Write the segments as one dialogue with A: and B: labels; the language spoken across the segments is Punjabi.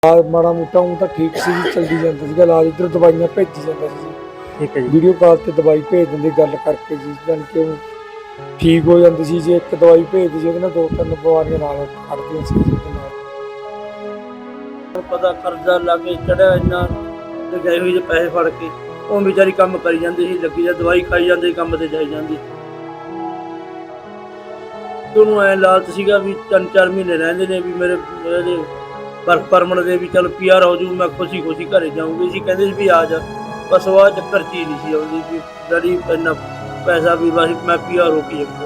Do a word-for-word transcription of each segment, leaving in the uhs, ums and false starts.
A: इलाज माड़ा मोटा हूँ तो ठीक सी चलती जाता सीगा इलाज इधर दवाइयां भेजी जाता सी जी।
B: ठीक है जी।
A: वीडियो कॉल ते दवाई भेज दिंदे गल करके जी जान के ठीक हो जाती सी जे एक दवाई भेजदी जी ਉਹਦੇ ਨਾਲ दो तीन बीमारियां नाल खड़दियां सी जी ਉਹਦੇ ਨਾਲ
C: पता कर्जा लाके चढ़िया इन्ना ते गए हुए जे पैसे फड़ के ਉਹ ਵਿਚਾਰੀ ਕੰਮ ਕਰੀ ਜਾਂਦੀ ਸੀ ਲੱਗੀ ਜਾਂ ਦਵਾਈ ਖਾਈ ਜਾਂਦੀ ਕੰਮ ਤੇ ਜਾਈ ਜਾਂਦੀ ਉਹਨੂੰ ਐ ਲਾਲਚ ਸੀਗਾ ਵੀ ਤਿੰਨ ਚਾਰ ਮਹੀਨੇ ਰਹਿੰਦੇ ਨੇ ਵੀ ਮੇਰੇ ਇਹਦੇ ਵਰਕ ਪਰਮਿਟ ਦੇ ਵੀ ਚੱਲ ਪੀ ਆਰ ਹੋ ਜੂ ਮੈਂ ਖੁਸ਼ੀ ਖੁਸ਼ੀ ਘਰੇ ਜਾਊਂਗੀ ਸੀ ਕਹਿੰਦੇ ਸੀ ਵੀ ਆ ਜਾ ਬਸ ਉਹ ਚੱਕਰ ਚੀਜ਼ ਨਹੀਂ ਸੀ ਆਉਂਦੀ ਵੀ ਡੈਡੀ ਇੰਨਾ ਪੈਸਾ ਵੀ ਬਸ ਮੈਂ ਪੀ ਆਰ ਹੋ ਕੇ ਜਾਊਂਗਾ।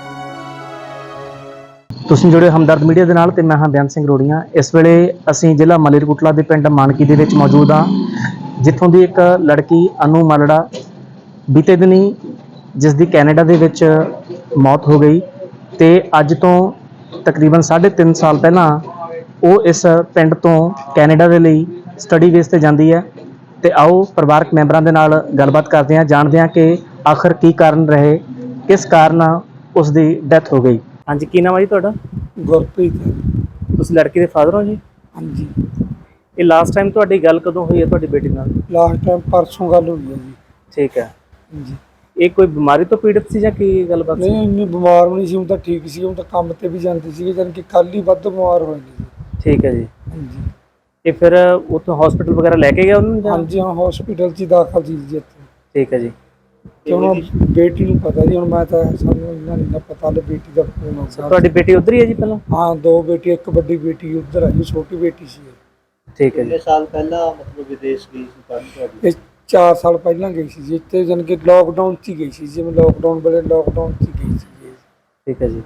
B: ਤੁਸੀਂ ਜੁੜੇ ਹਮਦਰਦ ਮੀਡੀਆ ਦੇ ਨਾਲ ਤੇ ਮੈਂ ਹਾਂ ਬੇਅੰਤ ਸਿੰਘ ਰੋੜੀਆਂ। ਇਸ ਵੇਲੇ ਅਸੀਂ ਜ਼ਿਲ੍ਹਾ ਮਲੇਰਕੋਟਲਾ ਦੇ ਪਿੰਡ ਮਾਨਕੀ ਦੇ ਵਿੱਚ ਮੌਜੂਦ ਹਾਂ, ਜਿੱਥੋਂ ਦੀ ਇੱਕ ਲੜਕੀ ਅਨੂ ਮਾਲੜਾ ਬੀਤੇ ਦਿਨੀ ਜਿਸ ਦੀ ਕੈਨੇਡਾ ਦੇ ਵਿੱਚ ਮੌਤ ਹੋ ਗਈ ਤੇ ਅੱਜ ਤੋਂ ਤਕਰੀਬਨ ਸਾਢੇ ਤਿੰਨ ਸਾਲ ਪਹਿਲਾਂ ਉਹ ਇਸ ਪਿੰਡ ਤੋਂ ਕੈਨੇਡਾ ਦੇ ਲਈ ਸਟੱਡੀ ਬੇਸ ਤੇ ਜਾਂਦੀ ਹੈ ਤੇ ਆਓ ਪਰਿਵਾਰਕ ਮੈਂਬਰਾਂ ਦੇ ਨਾਲ ਗੱਲਬਾਤ ਕਰਦੇ ਹਾਂ, ਜਾਣਦੇ ਹਾਂ ਕਿ ਆਖਰ ਕੀ ਕਾਰਨ ਰਹੇ, ਕਿਸ ਕਾਰਨ ਉਸ ਦੀ ਡੈਥ ਹੋ ਗਈ। ਹਾਂਜੀ, ਕੀ ਨਾਮ ਹੈ ਜੀ ਤੁਹਾਡਾ?
A: ਗੁਰਪ੍ਰੀਤ
B: ਤੁਸੀਂ ਲੜਕੀ ਦੇ ਫਾਦਰ ਹੋ ਜੀ?
A: ਹਾਂਜੀ।
B: ਇਹ ਲਾਸਟ ਟਾਈਮ ਤੁਹਾਡੀ ਗੱਲ ਕਦੋਂ ਹੋਈ ਹੈ ਤੁਹਾਡੀ ਬੇਟੀ ਨਾਲ?
A: ਲਾਸਟ ਟਾਈਮ परसों गल हुई है जी।
B: ਠੀਕ ਹੈ
A: जी
B: ਇਹ ਕੋਈ ਬਿਮਾਰੀ ਤੋਂ ਪੀੜਤ ਸੀ ਜਾਂ ਕੀ ਗੱਲਬਾਤ ਸੀ?
A: नहीं इन्नी बीमार भी नहीं सी, हूँ तो ठीक सी, हूँ तो काम ते भी जाती सी जान कि कल ही वध बीमार होए जी।
B: ਠੀਕ ਹੈ ਜੀ।
A: ਹਾਂਜੀ
B: ਇਹ ਫਿਰ ਉੱਥੋਂ ਹਸਪੀਟਲ ਵਗੈਰਾ ਲੈ ਕੇ ਗਿਆ ਉਹਨੂੰ ਜਾਂ?
A: ਹਾਂਜੀ ਹਾਂ ਹਸਪੀਟਲ 'ਚ ਹੀ ਦਾਖਲ ਸੀ ਜੀ ਇੱਥੇ
B: ਠੀਕ ਹੈ ਜੀ।
A: ਤੇ ਹੁਣ ਬੇਟੀ ਨੂੰ ਪਤਾ ਜੀ, ਹੁਣ ਮੈਂ ਤਾਂ ਸਾਨੂੰ ਇੰਨਾ ਨਹੀਂ ਨਾ ਪਤਾ ਲੈ ਬੇਟੀ ਦਾ ਫੋਨ ਆਉਂਦਾ।
B: ਤੁਹਾਡੀ ਬੇਟੀ ਉੱਧਰ ਹੀ ਹੈ ਜੀ ਪਹਿਲਾਂ?
A: ਹਾਂ ਦੋ ਬੇਟੀ, ਇੱਕ ਵੱਡੀ ਬੇਟੀ ਉੱਧਰ ਹੈ ਜੀ, ਛੋਟੀ ਬੇਟੀ ਸੀ
B: ਠੀਕ ਹੈ ਜੀ।
C: ਕਿੰਨੇ ਸਾਲ ਪਹਿਲਾਂ ਮਤਲਬ ਵਿਦੇਸ਼ ਗਈ ਸੀ ਪੜ੍ਹਨ ਤੁਹਾਡੀ?
A: ਇਹ ਚਾਰ ਸਾਲ ਪਹਿਲਾਂ ਗਈ ਸੀ ਜੀ ਇੱਥੇ, ਜਾਣੀ ਕਿ ਲੋਕਡਾਊਨ 'ਚ ਹੀ ਗਈ ਸੀ, ਜਿਵੇਂ ਲੋਕਡਾਊਨ ਵੇਲੇ ਲੋਕਡਾਊਨ 'ਚ ਹੀ ਗਈ ਸੀ ਜੀ।
B: ਠੀਕ ਹੈ ਜੀ।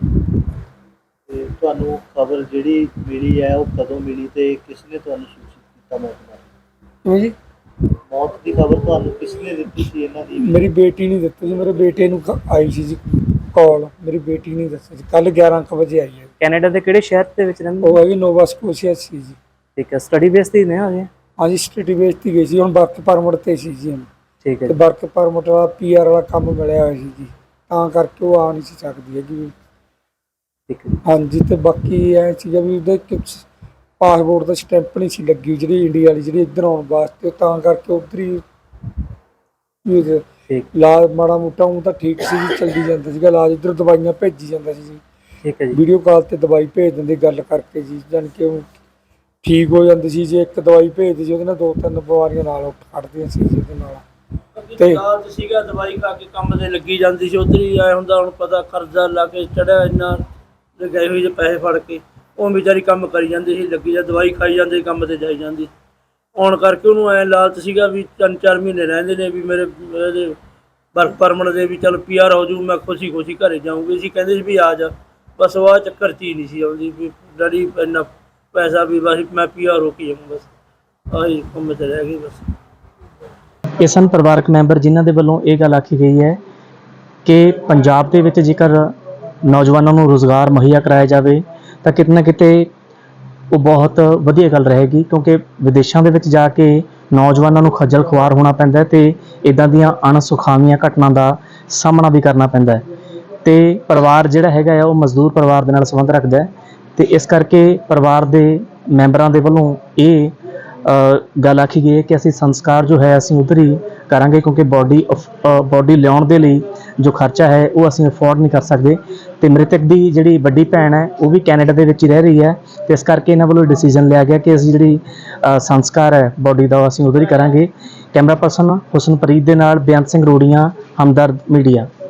C: ਤੇ ਤੁਹਾਨੂੰ ਖਬਰ ਜਿਹੜੀ ਮਿਲੀ ਹੈ ਉਹ ਕਦੋਂ ਮਿਲੀ ਤੇ ਕਿਸ ਨੇ ਤੁਹਾਨੂੰ ਸੂਚਿਤ ਕੀਤਾ ਮੌਤ ਬਾਰੇ?
A: ਕਿਉਂ ਜੀ?
C: ਮੌਤ ਦੀ ਖਬਰ ਤੁਹਾਨੂੰ ਕਿਸ ਨੇ ਦਿੱਤੀ ਸੀ ਇਹਨਾਂ ਦੀ?
A: ਮੇਰੀ ਬੇਟੀ ਨਹੀਂ ਦਿੱਤੀ ਜੀ, ਮੇਰੇ ਬੇਟੇ ਨੂੰ ਕ- ਆਈ ਸੀ ਜੀ ਕਾਲ, ਮੇਰੀ ਬੇਟੀ ਨਹੀਂ ਦੱਸੀ ਜੀ, ਕੱਲ ਗਿਆਰਾਂ ਕੁ ਵਜੇ ਆਈ ਹੈ।
B: ਕੈਨੇਡਾ ਦੇ ਕਿਹੜੇ ਸ਼ਹਿਰ ਦੇ ਵਿੱਚ ਰਹਿੰਦੇ?
A: ਉਹ ਹੈਗੀ ਨੋਵਾ ਸਕੋਸ਼ੀਆ ਸੀ ਜੀ।
B: ਠੀਕ ਹੈ, ਸਟੱਡੀ ਬੇਸ ਤੇ ਹੀ ਨੇ ਹਜੇ?
A: ਹਾਂਜੀ ਸਟੱਡੀ ਬੇਸ ਤੇ ਗਈ ਸੀ, ਹੁਣ ਵਰਕ ਪਰਮਿਟ ਤੇ ਸੀ ਜੀ। ਹੁਣ
B: ਠੀਕ ਹੈ
A: ਤੇ
B: ਜੀ।
A: ਵਰਕ ਪਰਮਿਟ ਵਾਲਾ ਪੀ ਆਰ ਵਾਲਾ ਕੰਮ ਮਿਲਿਆ ਹੋਇਆ ਸੀ ਜੀ, ਤਾਂ ਕਰਕੇ ਉਹ ਆ ਨਹੀਂ ਸੀ ਸਕਦੀ ਹੈਗੀ।
B: ਠੀਕ ਹੈ ਜੀ।
A: ਹਾਂਜੀ ਤੇ ਬਾਕੀ ਇਹ ਚੀਜ਼ਾਂ ਵੀ ਉਹਦੇ ਪਾਸਪੋਰਟ ਦਾ ਸਟੈਂਪ ਨਹੀਂ ਸੀ ਲੱਗੀ ਜਿਹੜੀ ਇੰਡੀਆ ਵਾਲੀ, ਜਿਹੜੀ ਇੱਧਰ ਆਉਣ ਵਾਸਤੇ, ਤਾਂ ਕਰਕੇ ਉੱਧਰ ਹੀ ਵੀ
B: ਠੀਕ
A: ਇਲਾਜ ਮਾੜਾ ਮੋਟਾ ਹੂੰ ਤਾਂ ਠੀਕ ਸੀ ਜੀ, ਚਲਦੀ ਜਾਂਦਾ ਸੀਗਾ ਇਲਾਜ, ਇੱਧਰ ਦਵਾਈਆਂ ਭੇਜੀ ਜਾਂਦਾ ਸੀ ਜੀ।
B: ਠੀਕ ਹੈ ਜੀ।
A: ਵੀਡੀਓ ਕਾਲ ਤੇ ਦਵਾਈ ਭੇਜ ਦਿੰਦੇ ਗੱਲ ਕਰਕੇ ਜੀ, ਜਾਨ ਕਿ ਉਹ ਠੀਕ ਹੋ ਜਾਂਦੀ ਸੀ ਜੇ ਇੱਕ ਦਵਾਈ ਭੇਜਦੀ ਸੀ ਉਹਦੇ ਨਾਲ ਦੋ ਤਿੰਨ ਬਿਮਾਰੀਆਂ ਨਾਲ ਖੜਦੀਆਂ ਸੀ ਜੀ ਉਹਦੇ ਨਾਲ।
C: ਤੇ ਲਾਲਚ ਸੀਗਾ ਦਵਾਈ ਖਾ ਕੇ ਕੰਮ ਤੇ ਲੱਗੀ ਜਾਂਦੀ ਸੀ, ਉੱਧਰ ਹੀ ਆਇਆ ਹੁੰਦਾ ਹੁਣ ਪਤਾ ਕਰਜ਼ਾ ਲਾ ਕੇ ਚੜਿਆ ਇੰਨਾ ਤੇ ਗਏ ਹੋਏ ਜੇ ਪੈਸੇ ਫੜ ਕੇ ਉਹ ਵਿਚਾਰੀ ਕੰਮ ਕਰੀ ਜਾਂਦੀ ਸੀ ਲੱਗੀ ਜਾਂ ਦਵਾਈ ਖਾਈ ਜਾਂਦੀ ਕੰਮ ਤੇ ਜਾਈ ਜਾਂਦੀ ਆਉਣ ਕਰਕੇ ਉਹਨੂੰ ਐ ਲਾਲਚ ਸੀਗਾ ਵੀ ਤਿੰਨ ਚਾਰ ਮਹੀਨੇ ਰਹਿੰਦੇ ਨੇ ਵੀ ਮੇਰੇ ਇਹਦੇ ਵਰਕ ਪਰਮਿਟ ਦੇ ਵੀ ਚੱਲ ਪੀ ਆਰ ਹੋ ਜੂ ਮੈਂ ਖੁਸ਼ੀ ਖੁਸ਼ੀ ਘਰੇ ਜਾਊਂਗੀ ਸੀ ਕਹਿੰਦੇ ਸੀ ਵੀ ਆ ਜਾ ਬਸ ਉਹ ਚੱਕਰ ਚੀਜ਼ ਨਹੀਂ ਸੀ ਆਉਂਦੀ ਵੀ ਡੈਡੀ ਇੰਨਾ ਪੈਸਾ ਵੀ ਬਸ ਮੈਂ ਪੀ ਆਰ ਹੋ ਕੇ ਜਾਊਂ ਬਸ ਆਹੀ ਕੰਮ ਤੇ ਰਹਿ ਗਈ ਬਸ।
B: ਇਹ ਸਨ ਪਰਿਵਾਰਕ ਮੈਂਬਰ ਜਿਨ੍ਹਾਂ ਦੇ ਵੱਲੋਂ ਇਹ ਗੱਲ ਆਖੀ ਗਈ ਹੈ ਕਿ ਪੰਜਾਬ ਦੇ ਵਿੱਚ ਜੇਕਰ ਨੌਜਵਾਨਾਂ ਨੂੰ ਰੁਜ਼ਗਾਰ ਮੁਹੱਈਆ ਕਰਾਇਆ ਜਾਵੇ ਤਾਂ ਕਿਤੇ ਨਾ ਕਿਤੇ ਉਹ ਬਹੁਤ ਵਧੀਆ ਗੱਲ ਰਹੇਗੀ, ਕਿਉਂਕਿ ਵਿਦੇਸ਼ਾਂ ਦੇ ਵਿੱਚ ਜਾ ਕੇ ਨੌਜਵਾਨਾਂ ਨੂੰ ਖੱਜਲ ਖੁਆਰ ਹੋਣਾ ਪੈਂਦਾ ਹੈ ਤੇ ਇੱਦਾਂ ਦੀਆਂ ਅਣਸੁਖਾਵੀਆਂ ਘਟਨਾ ਦਾ ਸਾਹਮਣਾ ਵੀ ਕਰਨਾ ਪੈਂਦਾ ਹੈ ਤੇ ਪਰਿਵਾਰ ਜਿਹੜਾ ਹੈਗਾ ਆ ਉਹ ਮਜ਼ਦੂਰ ਪਰਿਵਾਰ ਦੇ ਨਾਲ ਸੰਬੰਧ ਰੱਖਦਾ ਹੈ ਤੇ ਇਸ ਕਰਕੇ ਪਰਿਵਾਰ ਦੇ ਮੈਂਬਰਾਂ ਦੇ ਵੱਲੋਂ ਇਹ ਗੱਲ ਆਖੀ ਗਈ ਹੈ ਕਿ ਅਸੀਂ ਸੰਸਕਾਰ ਜੋ ਹੈ ਅਸੀਂ ਉੱਧਰ ਹੀ ਕਰਾਂਗੇ, ਕਿਉਂਕਿ ਬੋਡੀ ਬੋਡੀ ਲਿਆਉਣ ਦੇ ਲਈ ਜੋ ਖਰਚਾ ਹੈ ਉਹ ਅਸੀਂ ਅਫੋਰਡ ਨਹੀਂ ਕਰ ਸਕਦੇ ਤੇ ਮ੍ਰਿਤਕ ਦੀ ਜਿਹੜੀ ਵੱਡੀ ਭੈਣ ਹੈ ਉਹ ਵੀ ਕੈਨੇਡਾ ਦੇ ਵਿੱਚ ਹੀ ਰਹਿ ਰਹੀ ਹੈ ਤੇ ਇਸ ਕਰਕੇ ਇਹਨਾਂ ਵੱਲੋਂ ਡਿਸੀਜਨ ਲਿਆ ਗਿਆ ਕਿ ਅਸੀਂ ਜਿਹੜੀ ਸੰਸਕਾਰ ਹੈ ਬੋਡੀ ਦਾ ਅਸੀਂ ਉੱਧਰ ਹੀ ਕਰਾਂਗੇ। ਕੈਮਰਾ ਪਰਸਨ ਹੁਸਨਪ੍ਰੀਤ ਦੇ ਨਾਲ ਬੇਅੰਤ ਸਿੰਘ ਰੋੜੀਆਂ, ਹਮਦਰਦ ਮੀਡੀਆ।